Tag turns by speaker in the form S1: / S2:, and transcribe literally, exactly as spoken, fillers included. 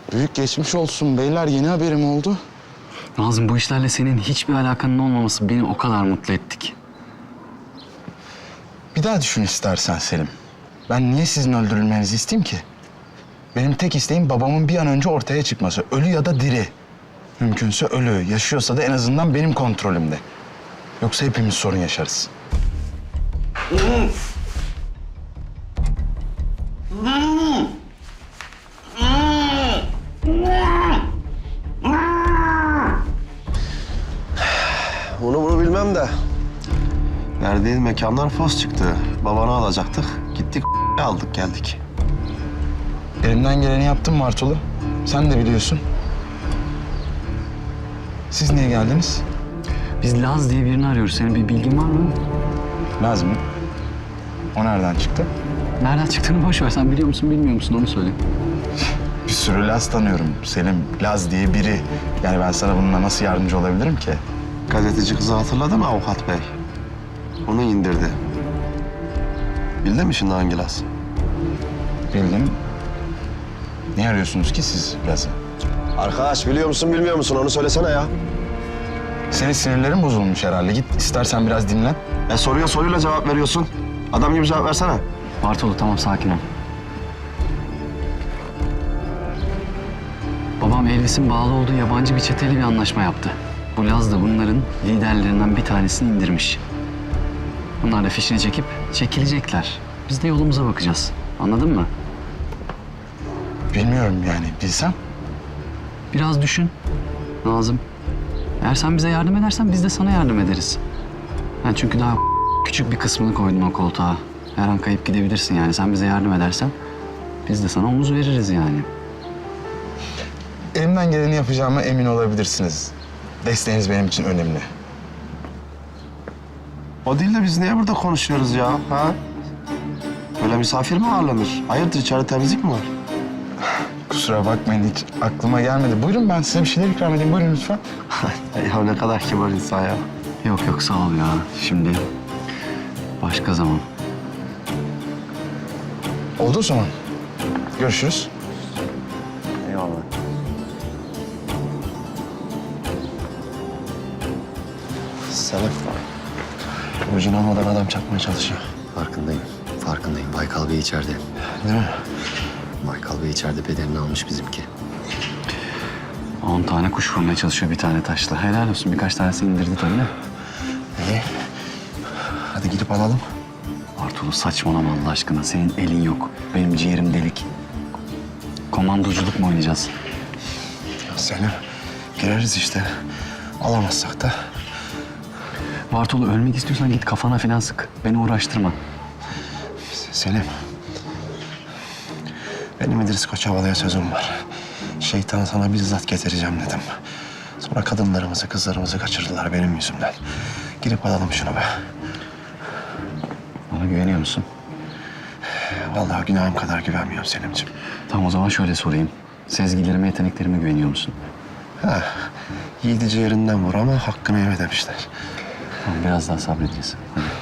S1: Büyük geçmiş olsun beyler. Yeni haberim oldu.
S2: Nazım, bu işlerle senin hiçbir alakanın olmaması beni o kadar mutlu etti ki.
S1: Bir daha düşün istersen Selim. Ben niye sizin öldürülmenizi isteyeyim ki? Benim tek isteğim babamın bir an önce ortaya çıkması. Ölü ya da diri. Mümkünse ölü. Yaşıyorsa da en azından benim kontrolümde. Yoksa hepimiz sorun yaşarız.
S3: Onu bunu bilmem de. Verdiğin mekanlar fos çıktı. Babanı alacaktık. Gittik aldık geldik.
S1: Elimden geleni yaptım Martolu. Sen de biliyorsun. Siz niye geldiniz?
S2: Biz Laz diye birini arıyoruz. Senin bir bilgin var mı?
S1: Lazım mı? O nereden çıktı?
S2: Nereden çıktığını boş ver. Sen biliyor musun, bilmiyor musun? Onu söyle.
S1: Bir sürü Laz tanıyorum. Selim, Laz diye biri. Yani ben sana bununla nasıl yardımcı olabilirim ki?
S3: Gazeteci kızı hatırladın mı avukat bey? Onu indirdi. Bildin mi şimdi hangi Laz?
S1: Bildim. Niye arıyorsunuz ki siz Laz'ı?
S3: Arkadaş biliyor musun bilmiyor musun onu söylesene ya.
S1: Senin sinirlerin bozulmuş herhalde. Git istersen biraz dinlen.
S3: E soruya soruyla cevap veriyorsun. Adam gibi cevap versene.
S2: Bartolo, tamam, sakin ol. Babam Elvis'in bağlı olduğu yabancı bir çeteyle bir anlaşma yaptı. Bu Laz da bunların liderlerinden bir tanesini indirmiş. Bunlar da fişini çekip çekilecekler. Biz de yolumuza bakacağız. Anladın mı?
S1: Bilmiyorum yani. Bilsem.
S2: Biraz düşün Nazım. Eğer sen bize yardım edersen biz de sana yardım ederiz. Ben çünkü daha küçük bir kısmını koydum o koltuğa. Her an kayıp gidebilirsin yani. Sen bize yardım edersen biz de sana omuz veririz yani.
S1: Elimden geleni yapacağıma emin olabilirsiniz. Desteğiniz benim için önemli.
S3: O değil de biz niye burada konuşuyoruz ya? Ha? Böyle misafir mi ağırlanır? Hayırdır içeride temizlik mi var?
S1: Kusura bakmayın hiç aklıma gelmedi. Buyurun ben size bir şeyler ikram edeyim. Buyurun lütfen.
S3: Ya ne kadar kibar insan ya.
S2: Yok yok, sağ ol ya. Şimdi başka zaman.
S1: Oldu o zaman. Görüşürüz.
S3: Eyvallah. Selam. Ucunu almadan adam çakmaya çalışıyor.
S4: Farkındayım, farkındayım. Baykal Bey içeride.
S3: Değil mi?
S4: Baykal Bey içeride bedelini almış bizimki.
S2: On tane kuş vurmaya çalışıyor bir tane taşla. Helal olsun, birkaç tanesini indirdi tabii de.
S3: İyi. Hadi gidip alalım.
S2: Bartolo, saçmalama Allah aşkına. Senin elin yok. Benim ciğerim delik. Komandoculuk mu oynayacağız?
S3: Ya Selim, gireriz işte. Alamazsak da.
S2: Bartolo, ölmek istiyorsan git kafana falan sık. Beni uğraştırma.
S3: Selim. Benim İdris Koçovalı'ya sözüm var. Şeytanı sana bizzat getireceğim dedim. Sonra kadınlarımızı, kızlarımızı kaçırdılar benim yüzümden. Girip alalım şunu be.
S2: Bana güveniyor musun?
S3: Vallahi günahım kadar güvenmiyorum Selimciğim.
S2: Tamam, o zaman şöyle sorayım. Sezgilerime, yeteneklerime güveniyor musun?
S3: Ha, yiğidici yerinden vur ama hakkını yeme demişler.
S2: Tamam, biraz daha sabredeceğiz. Hadi.